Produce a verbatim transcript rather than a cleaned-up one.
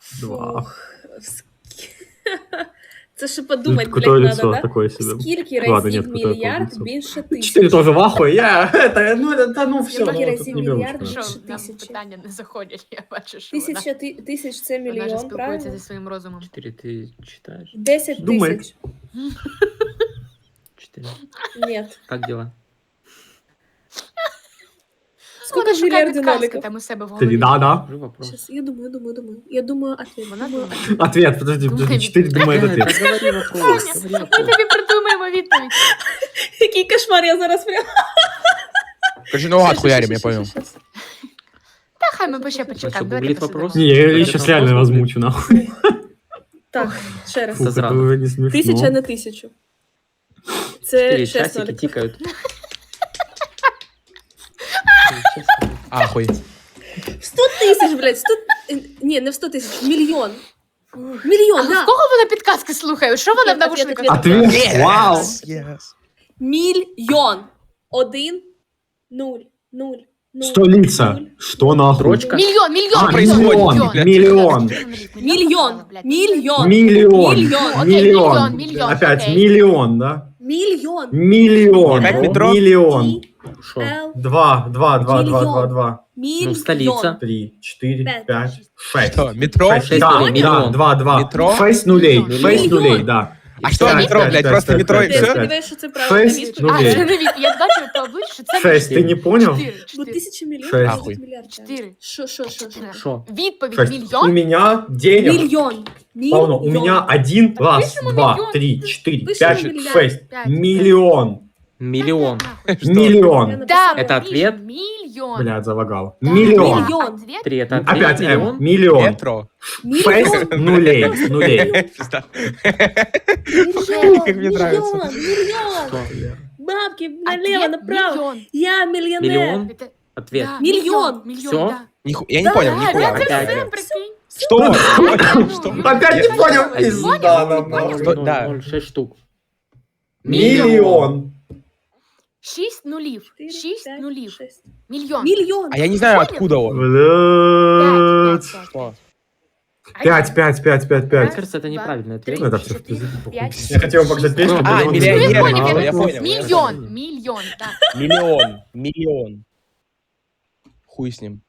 Два. Це ще подумати, блядь, Крутое надо, лицо да? такое себе. Скільки Ладно, разів нет, крутое мільярд лицо. більше тисячі? Четыре тоже в ахуе. Я, это, ну, это, ну, все, Скільки ну, тут разів не мільярд беру. більше Що, нам тисячі? питання не заходять, я бачу, що вона, Тисяча ти- тисяч це вона ж мільйон, спілкується правильно? зі своїм розумом. Четыре ты читаешь? Десять Думай. тисяч. Четыре. Нет. Как дела? Сколько Вона ж шукає мільярдів підказки ноликів? там у себе в Три, голові. да, да. Уже вопрос. Сейчас, я думаю, думаю, думаю. Я думаю, ответ. Вона Думаю. думає. Ответ, подожди, Думай, подожди. Четыре думает Э, ответ. так говори вопрос. Говори Ми вопрос. тобі придумаємо відповідь. Який кошмар, я зараз прям... Короче, наугад хуярим, я понял. Та хай ми ще Що, почекаємо. гуглит Давайте вопрос? посидимо. Не, я Ответ сейчас на реально вопрос будет? возмучу, нахуй. Так, ще раз. Фу, Это зрада. это уже не смешно. Тисяча на тисячу. Це Четыре шесть часики ноликів. тикают. Ахуй. Сто тисяч, блядь, сто... Ні, не в сто тисяч, мільйон. Мільйон, А в да. кого вона підказки слухає? Що вона в Ответ, навушниках? ответ, Ответ? Вау. Yes. Мільйон. Один, нуль, нуль, нуль. Столица. нуль. Что нахуй? Строчка? Мільйон, мільйон, А, мільйон, миллион, миллион. Мільйон, мільйон, Миллион. Миллион. Окей, Миллион. миллион, миллион, Опять окей. миллион, да? мільйон. Миллион. Опять метро? Миллион. Шо? Л, Два, два, два, два, два, два. мільйон. Ну, столица. Три, четыре, Пять. пять, шесть. Что, метро? Шесть, Шесть да, нулей, да, миллион. два, два. Метро? Шесть нулей, Миллион. шесть Миллион. нулей, да. А что Пять, метро, пять, блядь, пять, просто пять, метро и пять, Я все? пять. сподіваюся, що це правильна Шесть відповідь. А, нулей. це не від... Я бачу по обличчю, що це Шесть, ты не понял? Чотири, Бо чотири. тисяча мільйонів, Шесть. це Ахуй. мільярд. Чотири. Що, що, що, що? Шо? Відповідь Шесть. У мільйон? меня денег. Мільйон. Полно. У меня один, раз, пишемо два, миллион. три, четыре, Пишемо пять, миллиард. шесть. Пять. Миллион. Миллион. Что? Миллион. Да, Это ответ? Мільйон. Блядь, залагал. Да, Миллион. Миллион. Ответ? Три это ответ. Опять М. Миллион. Миллион. Метро. Шесть нулей. Нулей. Пизда. Мільйон, Как мне нравится. мільйон, мільйон. Что? Бабки налево, Ответ направо. мільйон. Я миллионер. Миллион? Это- Ответ. да, Мільйон. Мільйон, Всё? да. Ниху- Я не Да, понял, Да, нихуя. да, це Опять. все, прикинь. Что? Что? Опять не понял. Пизда Понял, нам, понял. нахуй. Что? Ноль, Да. ноль, шесть штук. Миллион. Шість нулів. Четыре, Шість пять, нулів. шесть. Мільйон. Миллион. А я не знаю, Понял? откуда он. Блядь. Пять, пять, Что? пять. Пять, пять, пять, пять, Мне пять. кажется, это неправильный ответ. Ну, это все в четыре, пизду, похуй. пять, Я хотел показать песню. А, миллион миллионер, не понял, знал. я понял. Мільйон. Мільйон, так. Миллион. Миллион. Хуй с ним.